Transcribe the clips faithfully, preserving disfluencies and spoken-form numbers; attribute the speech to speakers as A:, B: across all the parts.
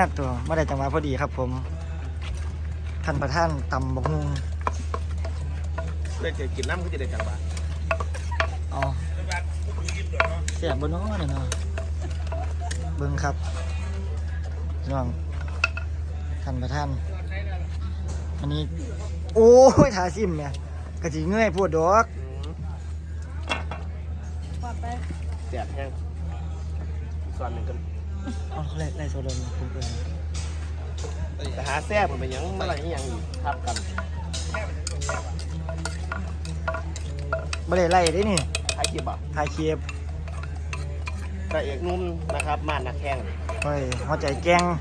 A: ตัวไม่ได้จังหวะพอดีครับผมท่านประธานตำบักฮุง
B: เลยจะกินน้ำก็จะได้จังหวะ
A: อ๋อเสียบบนน้อเนี่ยเนาะเบิ้งครับน้องท่านประธานอันนี้โอ้ยทาซิมเนี่ยกะจิเงยพูดดอก
B: แสบแห้งส่วนหนึ่งกัน
A: เอาเขาไล่ไล่โซดาผมเปิด
B: แต่หาแซ่บมันเป็นยังเมื่อไหร่ยังอีกทับกัน
A: ไม่ได้ไล่ได้นี่
B: ไอ้เกียบอ่ะ
A: ทายเคียบ
B: พระเอกนุ่มนะครับมาดนักแข่ง
A: เฮ้ยหัวใจแกง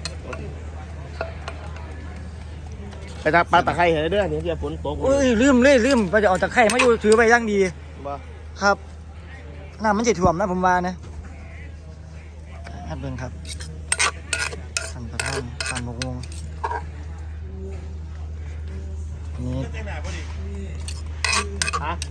B: ไปตักปลาตะไคร้เห็นเด้อเนี่ยที่ฝนตก
A: เอ้ยลืมเลยลืมไปจะเอาตะไคร่มาอยู่ถือไปย่างดี
B: บ่
A: ครับน้ำมันจะถ่วมนะผมว่านะฮัดเบิ้งครับท่านประธานตามบกงนี่
B: ฮะ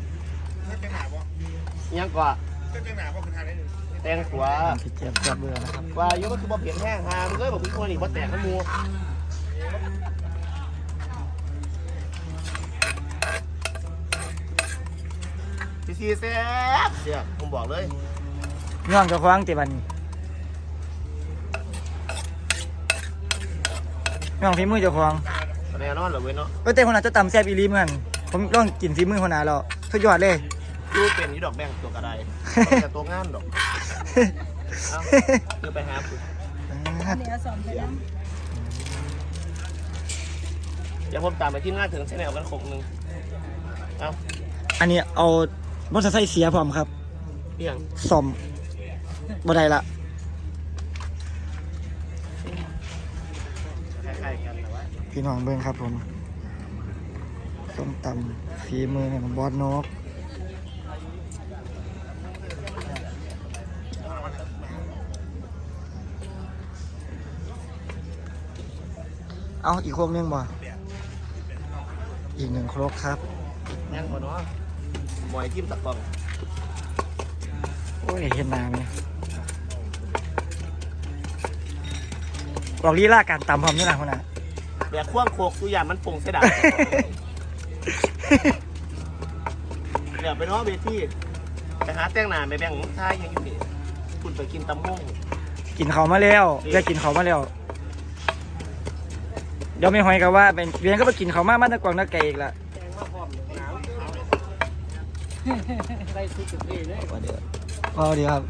B: ยังกว่าแตงขวา
A: พี่เจี๊ยบเจี๊ยบเบื่อนะครับ
B: ว่าอยู่ก็คือบ่เปลี่ยนแห้งหามันเลยบอกพี่คนนี้บ่แตกน้ำมูซีซีแซ่บเสียผมบอกเลย
A: ย่องเจะคว้าของติบันย่องฝีมือเจ้าของ
B: แน่นอนเหรอเว้ยเนาะ
A: ก็แต่คนอาจจะต่ำแซ่บอีหลีเหมือนกันผมลองกินฝีมือคนอาแล้วสุดยอดเลย
B: ดูเป็นยี่ดอกแบงตัวกระไดแต่ตัวงานดอกเอ้าคือไปหาปุ๊บ
C: เดี๋ยวสอนไปน้
B: เดี๋ยวผมตามไปที่งานถึงเส้นแนวกันคงหนึ่งเอ้า
A: อันนี้เอามอเตอร์ไซค์เสียพร้อมครับ
B: เรื่อง
A: ซ่อมบ่ได้ละ
B: คล้ายๆกันแต่ว่า
A: พี่น้องเบิ้งครับผมส้มตำฝีมือของบอสนกเอาอีกโคกนึงบ่อีกหนึ่งโคกครับ
B: ยังก่อนเนาะหมอยจิ้มตะกอง
A: โอ้ยเห็นหนาไหมบอกลีลาการตำพร้อมนี่นะคนน่ะ
B: แบบควงโคกตัวอย่างมันปรุงเสียดายเดี๋ยวไปน้องเบที่ไปหาแต้งหนาไปแบ่งท้ายยังอยู่นี่คุณไปกินตำมุ่ง
A: กินเขาวมาแล้วเรียกกินเขาวมาแล้วเดี๋ยวไม่หอยกับว่าเป็นเรียนก็ไปกินเขาวมามาตะกวางตะไก่อีกละ
B: แตงว่าพร้อมหนาวได้ทุกสิ่งเลย
A: ว่าเดี๋ยวพอดีครับ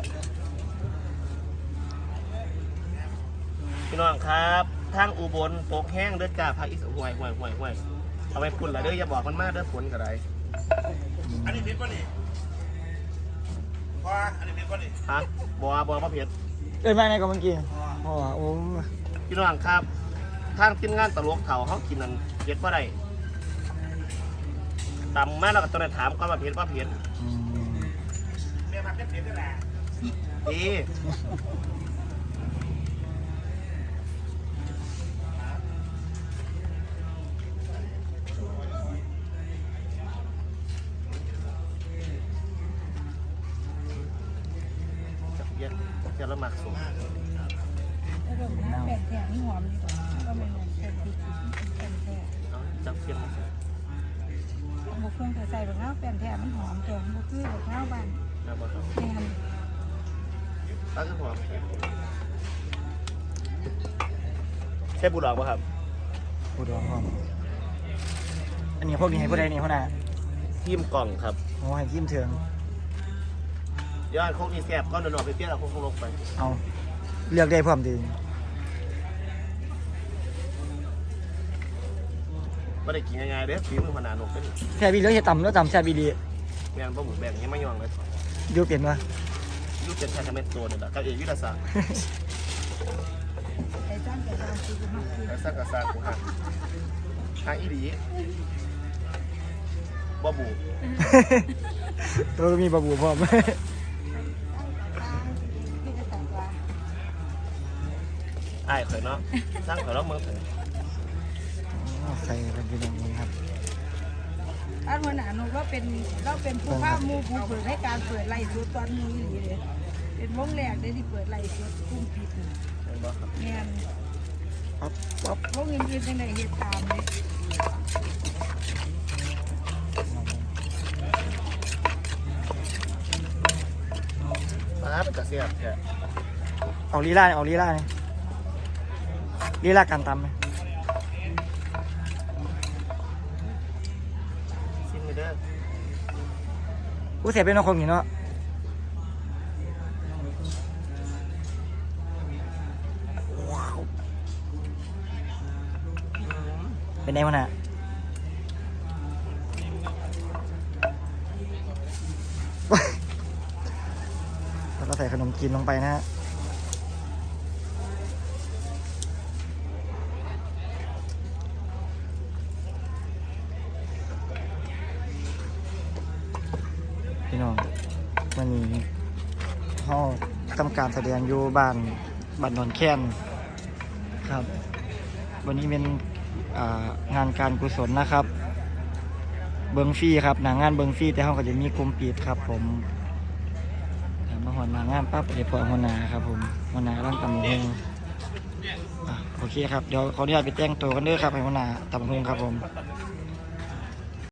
B: พี่น้องครับทางอุบลตกแห้งเด้อจ้าภาคอีสานห่วยห่วยห่วยห่วยเอาไปพุ่นละเด้ออย่าบอกมันมากเด้อฝนกระไรอันนี้ผิดป่ะนี่ว่าอันนี้ผิดป่ะนี่ฮะบัวบัวมะเพ็ด
A: เอ้ยมาไหนก็เมื่อกี้อ๋อโอ้
B: พี่น้องครับทางทีมงานตลกเถาเขากินนั่นเผ็ดป่ะไรตำมาแล้วก็ต้องได้ถามก่อนว่าเผ็ดป่ะเผ็ด
A: อืม
B: เมียมาเผ็ดเผ็ดได้แหละดีเย็นจะละหมักสูง
C: ำแล้วก็น้ำแปดแถมนี่หอมดีกว่าก็ไม่เหมือนเป็นพริกเป็นแถม
B: เอาจับเพียง
C: บกเครื่องใส่บะข้าวแป้นแถมมันหอมแกงบกคือบะข้าวบ้าน
B: นะบอส
C: แม่น
B: ตั้งขึ้นหัวใช่บุหรี่ป่ะครับ
A: พูดรองห้องอันนี้พวกนี้ให้ผู้ใดนี่คนน่ะ
B: ทีมกล่องครับ
A: โอ้ให้ยิ้มเถือง
B: ย้อนโคกนี่แสบก้อนหนอนไปเปรี้ยวเอาโคกลงไป
A: เอาเลือกได้พร้อมดี
B: ไม่ได้กินง่ายๆเด้อฝีมือพนาหนกเป็น
A: แซ่บอีเลือกจะต่ำแล้วต่ำแซ่บอีดี
B: แมนปลาหมูแบงยังไม่ยองเลย
A: ดูเปลี่ยนวะ
B: ยูเป็นแค่คอมเมนต์ตัวนี่แหละกับเอกยุทธศาสตร์
C: ไอ้จ้างแกจ้างคือมากคือ
B: แล้วสร้างกระซากูหักทางอีดีบ่บู
A: ตัวมีบะบูพร้อม
C: พี่จะสั่งว่า
B: ไอ้ายข่อยเนาะสร้างข่อยเนาะเมืองไทย
A: ใส่เป็นพี่น้องนี่ครับ
C: อันวันหนาหนูก็เป็นเราเป็นผู้ภาพมูผู้เปิดให้การเปิดไล่สุดตอนนี้หรือเลยเป็นวงแรกได้ที่เปิดไล่สุดกุ้งผิด
B: เห็นบ่ครับ
C: แม่น
A: ปั๊บปั๊บ
C: พวกเงินอื่นจังไดเฮ็ดตามเลย
B: ปลาเป็นกระเสียบแค่
A: เอาลีลาเอาลีลาเนี่ยลีลาการตำเนี่ย
B: ซิมเด้อ
A: ผู้เสียเป็นน้องคงอยู่เนาะว้าวเป็นไงวะน่ะแล้วก็ใส่ขนมจีนลงไปนะฮะพี่น้องวันนี้เขาทำการแสดงอยู่บ้านบ้านนนแค้นครับ วันนี้เป็นอ่างานการกุศลนะครับ เบิงฟรีครับหนางงานเบิงฟรีแต่เขาก็จะมีกลุ่มปิดครับผมถามมาหอนหนางงานปั๊บเดี๋ยวพอหัวหนาครับผมหัวหนาร่างตำบักหงอ่ะโอเคครับเดี๋ยวขออนุญาตไปแจ้งตัวกันเด้อครับให้หัวหนาตำบักหงครับผม
B: เ